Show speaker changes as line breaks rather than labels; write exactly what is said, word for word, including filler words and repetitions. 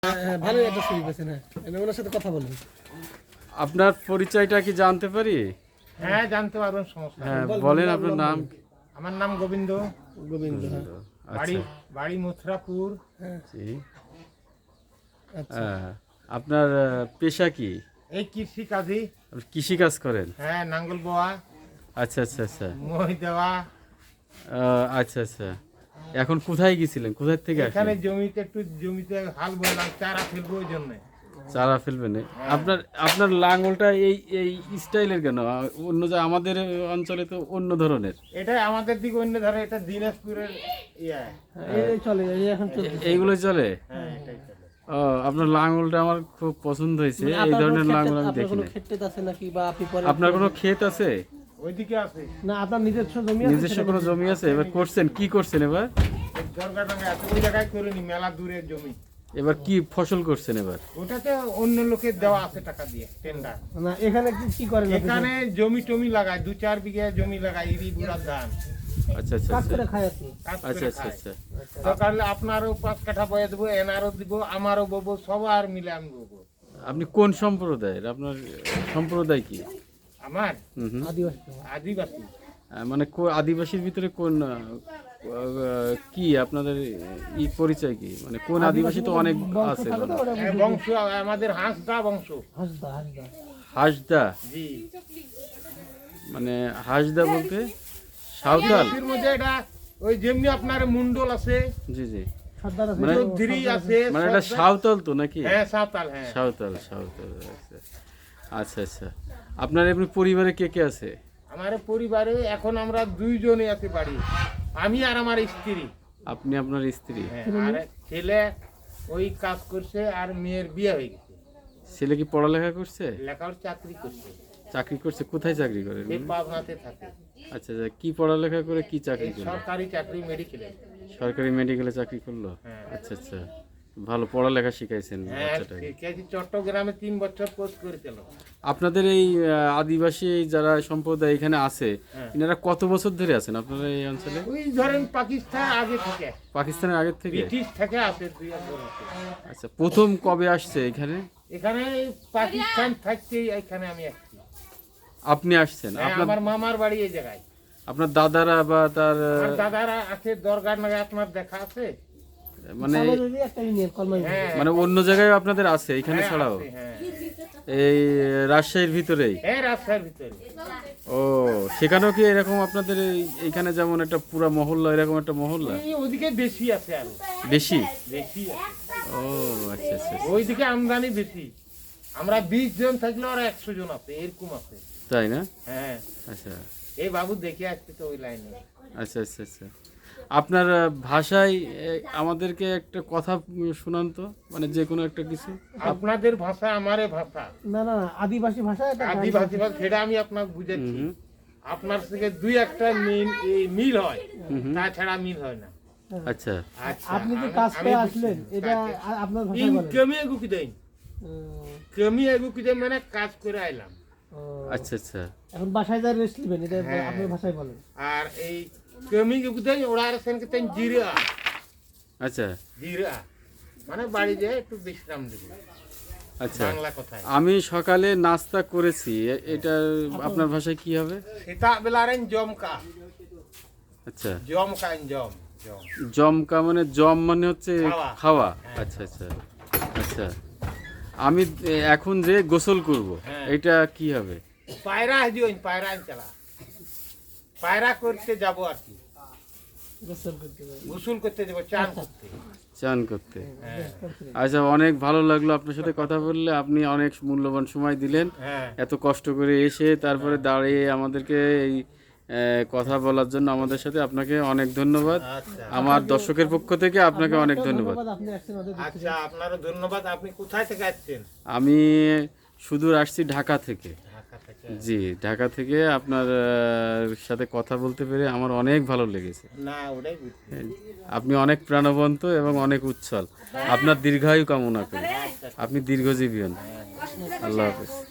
হ্যাঁ, ভালোই একটা ছবি পেয়েছেন। হ্যাঁ, আমি ওনার সাথে কথা বলবো।
আপনার পরিচয়টা কি জানতে পারি?
হ্যাঁ, জানতে পারবেন, সমস্যা নেই।
হ্যাঁ, বলেন আপনার নাম।
আমার নাম গোবিন্দ।
গোবিন্দ। হ্যাঁ,
বাড়ি
আচ্ছা,
বাড়ি মথুরাপুর।
জি।
আচ্ছা।
হ্যাঁ, আপনার আহ, পেশা কি?
এই কৃষি কাজী।
আপনি কৃষি কাজ করেন?
হ্যাঁ, নাঙ্গল বোয়া,
আচ্ছা আচ্ছা আচ্ছা
মই দেওয়া।
আহ, আচ্ছা আচ্ছা। এখন কোথায় গেছিলেন? কোথায় থেকে
এখানে
আসলেন?
জমিতে একটু জমিতে হাল বললাম, চারা ফেলবো ওই জন্য।
চারা ফেলবেন? আপনার আপনার লাঙ্গলটা এই এই স্টাইলের কেন? আহ, অন্য যা আমাদের অঞ্চলে তো অন্য ধরনের।
এটা আমাদের দিকে অন্য ধরে, এটা দিনাজপুরের ইয়া।
এই এই চলে, এই এখন চলছে।
এইগুলো চলে?
হ্যাঁ, এটাই চলে।
ও, আপনার লাঙ্গলটা আমার খুব পছন্দ হয়েছে।
মানে
এই
আপনার
ধরনের
কোনো
লাঙ্গল
ক্ষেত-
আমি
আপনার কোনো
দেখিনি।
ক্ষেত টেত আছে নাকি, বা আপনি পরে
আপনার কোনো ক্ষেত আছে?
ওইদিকে আছে।
না, আপনার নিজস্ব জমি আছে?
নিজস্ব কোনো জমি আছে? এবার করছেন কি করছেন এবার?
দরকার টাঙ্গা আছে, ওই জায়গায় করিনি, মেলা দূরের জমি।
এবার কি ফসল করছেন এবার?
ওটাতে অন্য লোকের দেওয়া আছে টাকা দিয়ে, টেন্ডার।
না, এখানে কি কি করেন আপনি?
এখানে জমি টমি লাগায়, দু চার বিঘা জমি লাগায়, ইরি বুড়া ধান
আচ্ছা আচ্ছা
কাজ
আচ্ছা
করে খায় আপনি?
কাজ
আচ্ছা
করে
আচ্ছা
খায়।
আচ্ছা
দরকার হলে আপনারও পাঁচ কাঠা বয়ে দেবো, এনারও দিব, আমারও ববো, সবার মিলে আমি ববো।
আপনি কোন সম্প্রদায়ের? আপনার সম্প্রদায় কি?
আমার
হুম হুম।
আদিবাসী।
আদিবাসী।
আহ, মানে কো- আদিবাসীর ভিতরে কোন আহ, আহ, কি আপনাদের ই পরিচয় কি? মানে কোন আদিবাসী তো অনেক
বংশ
আছে।
থাকে তো, ওটা
হ্যাঁ, বংশ আমাদের হাঁসদা বংশ।
হাসদা হাসদা।
হাসদা?
জি।
মানে হাসদা বলতে সাঁওতাল?
এর মধ্যে এটা ওই যেমনি আপনার মুন্ডল আছে,
জি জি।
সর্দার আছে,
মানে-
চৌধুরী আছে,
মানে এটা
সর্দার-
সাঁওতাল তো নাকি?
হ্যাঁ, সাঁওতাল। হ্যাঁ,
সাঁওতাল সাঁওতাল আচ্ছা আচ্ছা আচ্ছা। আপনার এমনি পরিবারে কে কে আছে?
আমার পরিবারে এখন আমরা দুইজনে আছি বাড়ি, আমি আর আমার স্ত্রী।
আপনি আপনার স্ত্রী?
হ্যাঁ, আর ছেলে ওই কাজ করছে, আর মেয়ের বিয়ে হয়ে গেছে,
ছেলে কি পড়ালেখা করছে?
লেখার চাকরি করছে,
চাকরি করছে? কোথায় চাকরি করে?
সে পাবনাতে থাকে।
আচ্ছা আচ্ছা। কি পড়ালেখা করে কি চাকরি
এই
করলো?
সরকারি চাকরি, মেডিকেলে।
সরকারি মেডিকেলে চাকরি করলো?
হ্যাঁ।
আচ্ছা আচ্ছা। ভালো পড়ালেখা শিখাইছেন
হ্যাঁ,
বাচ্চাটাকে।
কেজি চট্টগ্রামে তিন বছর কোর্স করেছিল।
আপনাদের এই আহ, আদিবাসী যারা সম্প্রদায় এখানে আছে,
হ্যাঁ।
এনারা কত বছর ধরে আছেন আপনারা এই অঞ্চলে?
ওই ধরেন পাকিস্তান আগে থেকে,
পাকিস্তানের আগের থেকে?
ব্রিটিশ থেকে আছে দুই হাজার বছর।
আচ্ছা, প্রথম কবে আসছে এখানে?
এখানে পাকিস্তান থাকতেই এখানে আমি আসছি।
আপনি আসছেন?
হ্যাঁ,
আপনার
আমার মামার বাড়ি এই জায়গায়।
আপনার দাদারা বা তার আহ,
আমার দাদারা আছে দরগার নাগে, আপনার দেখা আছে?
মানে
কলমাই একটা ইউনিয়ন, কলমাই।
হ্যাঁ,
মানে অন্য জায়গায় আপনাদের আছে এখানে
হ্যাঁ,
ছাড়াও?
আছে, হ্যাঁ।
এই রাজশাহীর ভিতরেই?
হ্যাঁ, রাস্তার ভিতরে।
ও, সেখানেও কি এরকম আপনাদের এই- এইখানে যেমন একটা পুরা মহল্লা, এরকম একটা মহল্লা?
এই ওদিকে বেশি আছে, আরো
বেশি?
বেশি আছে।
ও আচ্ছা আচ্ছা আচ্ছা।
ওইদিকে আমদানি বেশি। আমরা বিশ জন থাকলে ওরা একশো জন আছে, এরকম আছে।
তাই না?
হ্যাঁ,
আচ্ছা
এই বাবু দেখে আসছে তো ওই লাইনে।
আচ্ছা আচ্ছা আচ্ছা। আপনার আহ, ভাষায় এ, আমাদেরকে একটা কথা উম, শোনান তো, মানে যে কোনো একটা কিছু।
আপনাদের ভাষা আমারে ভাষা,
না না না, আদিবাসী ভাষা এটা।
আদিবাসী ভাষা, সেটা আমি আপনাকে বুঝাচ্ছি।
হুম।
আপনার থেকে দুই একটা মিল এই মিল হয়, তাছাড়া মিল হয় না।
আচ্ছা
আচ্ছা,
আপনি যে
আমি-
কাজ
আমি
করে
বুঝছি।
আসলেন, এটা আ- আপনার ভাষায়
ইন
বলেন।
কমি এগু কি দেন,
উম,
কমি এগু কি দেন মানে কাজ করে আইলাম।
ও,
আচ্ছা আচ্ছা
এখন বাসায় যা রেস্ট নেবেন, এটা
হ্যাঁ।
আপনার ভাষায় বলেন।
আর এই কমি এগু দেন ওরা আর সেন কেতেন জিরা,
আচ্ছা
জিরা মানে বাড়ি যেয়ে একটু বিশ্রাম দেব,
আচ্ছা।
বাংলা কথায়।
আমি সকালে নাস্তা করেছি, এ- এটা আপনার ভাষায় কি হবে?
সেটা বেলারেন জমকা,
আচ্ছা,
জমকা জম জম
জমকা মানে জম মানে হচ্ছে
খাওয়া।
খাওয়া?
হ্যাঁ।
আচ্ছা আচ্ছা আচ্ছা। আমি এ, এখন যে গোসল করব,
হ্যাঁ।
এটা কি হবে?
পায়রা হাজিওইন, পায়রা চালা, পায়রা করতে যাব আর কি,
গোসল করতে যাবেন।
গোসল করতে যাব, চান করতে।
চান করতে?
হ্যাঁ,
আচ্ছা, অনেক ভালো লাগলো আপনার সাথে কথা বললে। আপনি অনেক মূল্যবান সময় দিলেন,
হ্যাঁ।
এত কষ্ট করে এসে তারপরে দাঁড়িয়ে আমাদেরকে এই আহ, কথা বলার জন্য আমাদের সাথে আপনাকে অনেক ধন্যবাদ।
আচ্ছা
আমার দর্শকের পক্ষ থেকে আপনাকে অনেক
আপনাকেও
ধন্যবাদ।
আপনি আসছেন ওদের দেখতে।
আচ্ছা, আপনারও ধন্যবাদ। আপনি কোথায় থেকে আসছেন?
আমি সুদূর আসছি ঢাকা থেকে।
ঢাকা থেকে।
জি, ঢাকা থেকে আপনার আহ, সাথে কথা বলতে পেরে আমার অনেক ভালো লেগেছে।
না, ওটাই বুঝছি।
আপনি অনেক প্রাণবন্ত এবং অনেক উচ্ছল। আপনার দীর্ঘায়ু কামনা করি, আপনি দীর্ঘজীবী হন। আল্লাহ হাফেজ।